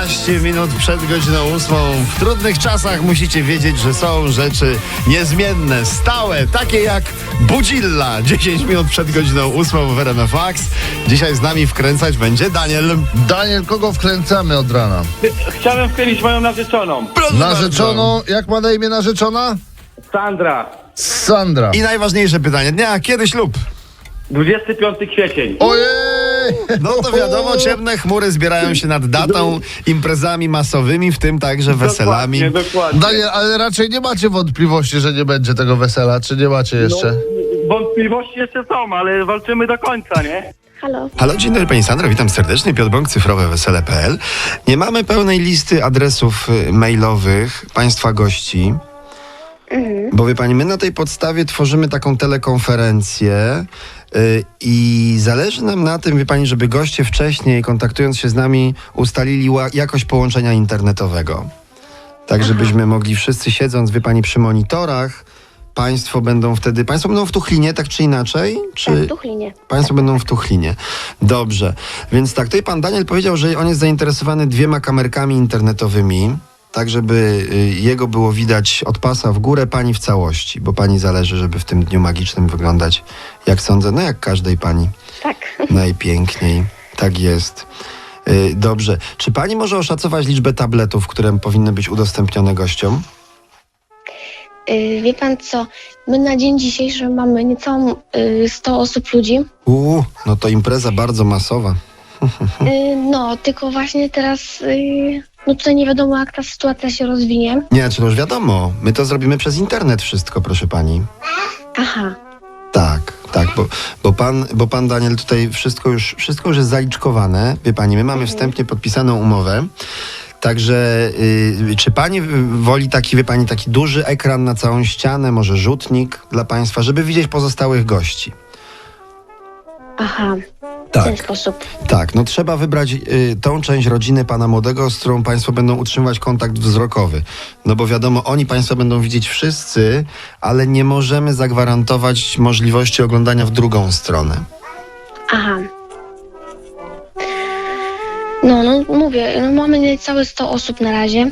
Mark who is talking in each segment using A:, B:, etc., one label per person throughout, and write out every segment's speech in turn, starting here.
A: 15 minut przed godziną 8. W trudnych czasach musicie wiedzieć, że są rzeczy niezmienne, stałe, takie jak Budzilla. 10 minut przed godziną 8 w RMF Max. Dzisiaj z nami wkręcać będzie Daniel.
B: Daniel, kogo wkręcamy od rana?
C: Chciałem wkręcić moją narzeczoną.
A: Proszę
B: Narzeczoną, jak ma na imię narzeczona?
C: Sandra.
B: Sandra.
A: I najważniejsze pytanie dnia, kiedy ślub?
C: 25 kwiecień.
B: Ojej!
A: No to wiadomo, ciemne chmury zbierają się nad datą, imprezami masowymi, w tym także weselami.
C: Dokładnie.
B: Daniel, ale raczej nie macie wątpliwości, że nie będzie tego wesela, czy nie macie jeszcze?
C: No, wątpliwości jeszcze są, ale walczymy do końca, nie?
D: Halo.
A: Halo, dzień dobry Pani Sandro, witam serdecznie, Piotr Bąk, cyfrowewesele.pl. Nie mamy pełnej listy adresów mailowych Państwa gości, bo wie Pani, my na tej podstawie tworzymy taką telekonferencję i zależy nam na tym, wie Pani, żeby goście wcześniej, kontaktując się z nami, ustalili jakość połączenia internetowego. Tak, żebyśmy mogli wszyscy siedząc, wie Pani, przy monitorach, Państwo będą w Tuchlinie, tak czy inaczej? Czy...
D: Tak, w Tuchlinie.
A: Państwo będą w Tuchlinie. Dobrze. Więc tak, tutaj pan Daniel powiedział, że on jest zainteresowany 2 kamerkami internetowymi, tak żeby jego było widać od pasa w górę, pani w całości, bo pani zależy, żeby w tym dniu magicznym wyglądać, jak sądzę, no jak każdej pani.
D: Tak.
A: Najpiękniej. Tak jest. Dobrze. Czy pani może oszacować liczbę tabletów, które powinny być udostępnione gościom?
D: Wie pan co, my na dzień dzisiejszy mamy niecałą 100 osób ludzi.
A: No to impreza bardzo masowa.
D: No, tylko właśnie teraz no tutaj nie wiadomo jak ta sytuacja się rozwinie.
A: Nie, czy to już wiadomo. My to zrobimy przez internet wszystko, proszę pani.
D: Aha.
A: Tak, bo pan Daniel tutaj wszystko już jest zaliczkowane. Wie pani, my mamy wstępnie podpisaną umowę. Także czy pani woli taki, wie pani, taki duży ekran na całą ścianę, może rzutnik dla państwa, żeby widzieć pozostałych gości?
D: Aha. W ten sposób.
A: Tak, no trzeba wybrać tą część rodziny pana młodego, z którą państwo będą utrzymywać kontakt wzrokowy. No bo wiadomo, oni państwa będą widzieć wszyscy, ale nie możemy zagwarantować możliwości oglądania w drugą stronę.
D: Aha. No mówię, no mamy niecałe 100 osób na razie.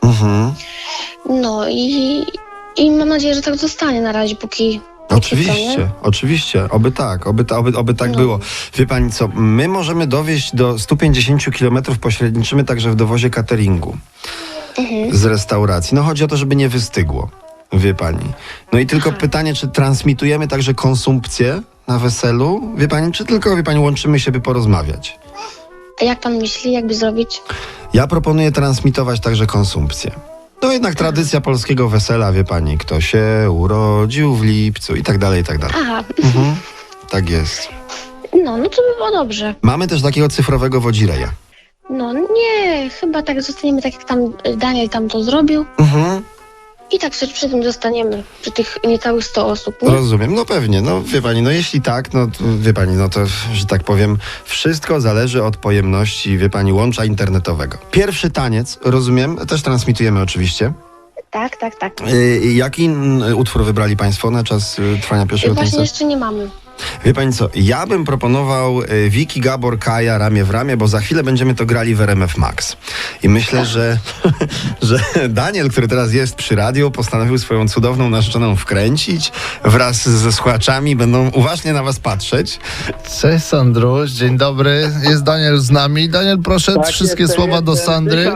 D: No i mam nadzieję, że tak zostanie na razie, póki
A: Oczywiście, oby tak
D: No.
A: było. Wie pani co, my możemy dowieźć do 150 km, pośredniczymy także w dowozie cateringu z restauracji. No chodzi o to, żeby nie wystygło, wie pani. No i tylko pytanie, czy transmitujemy także konsumpcję na weselu, wie pani, czy tylko, wie pani, łączymy się, by porozmawiać?
D: A jak pan myśli, jakby zrobić?
A: Ja proponuję transmitować także konsumpcję. No jednak tradycja polskiego wesela, wie pani, kto się urodził w lipcu i tak dalej, i tak dalej.
D: Aha.
A: Tak jest.
D: No to by było dobrze.
A: Mamy też takiego cyfrowego wodzireja.
D: No nie, chyba tak zostaniemy tak jak tam Daniel tam to zrobił. I tak przy tym zostaniemy, przy tych niecałych 100 osób. Nie?
A: Rozumiem, no pewnie, no wie pani, no jeśli tak, no wie pani, no to, że tak powiem, wszystko zależy od pojemności, wie pani, łącza internetowego. Pierwszy taniec, rozumiem, też transmitujemy oczywiście.
D: Tak.
A: Jaki utwór wybrali państwo na czas trwania pierwszego
D: Właśnie
A: tańca?
D: jeszcze nie mamy.
A: Wie pani co, ja bym proponował Wiki, Gabor, Kaja, ramię w ramię, bo za chwilę będziemy to grali w RMF Max. I myślę, że Daniel, który teraz jest przy radiu, postanowił swoją cudowną narzeczoną wkręcić wraz ze słuchaczami, będą uważnie na was patrzeć.
B: Cześć Sandruś, dzień dobry. Jest Daniel z nami. Daniel, proszę wszystkie słowa do Sandry.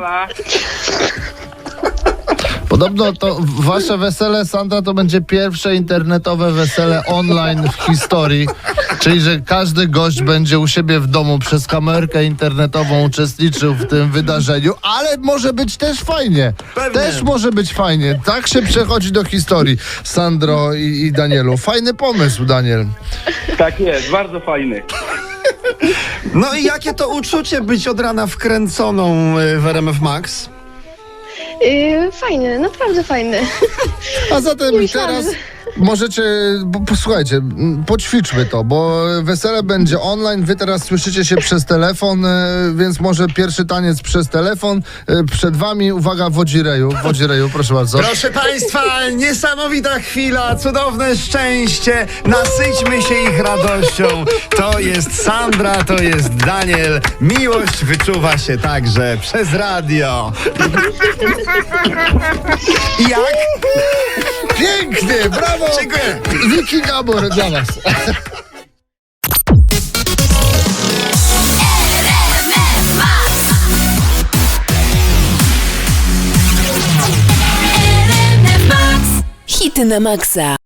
B: Podobno to wasze wesele, Sandra, to będzie pierwsze internetowe wesele online w historii. Czyli, że każdy gość będzie u siebie w domu przez kamerkę internetową uczestniczył w tym wydarzeniu, ale może być też fajnie.
A: Pewnie.
B: Też może być fajnie. Tak się przechodzi do historii, Sandro i Danielu. Fajny pomysł, Daniel.
C: Tak jest, bardzo fajny.
A: No i jakie to uczucie być od rana wkręconą w RMF Max?
D: Fajny, naprawdę fajny.
B: A zatem
D: Nie myślałam,
B: teraz możecie, posłuchajcie, poćwiczmy to, bo wesele będzie online, wy teraz słyszycie się przez telefon, więc może pierwszy taniec przez telefon. Przed wami, uwaga, Wodzireju, proszę bardzo.
A: Proszę Państwa, niesamowita chwila, cudowne szczęście, nasyćmy się ich radością. To jest Sandra, to jest Daniel. Miłość wyczuwa się także przez radio. I jak?
B: Pięknie, brawo!
A: Dziękuję.
B: Wiki Gabor dla was.
E: Hity na maksa.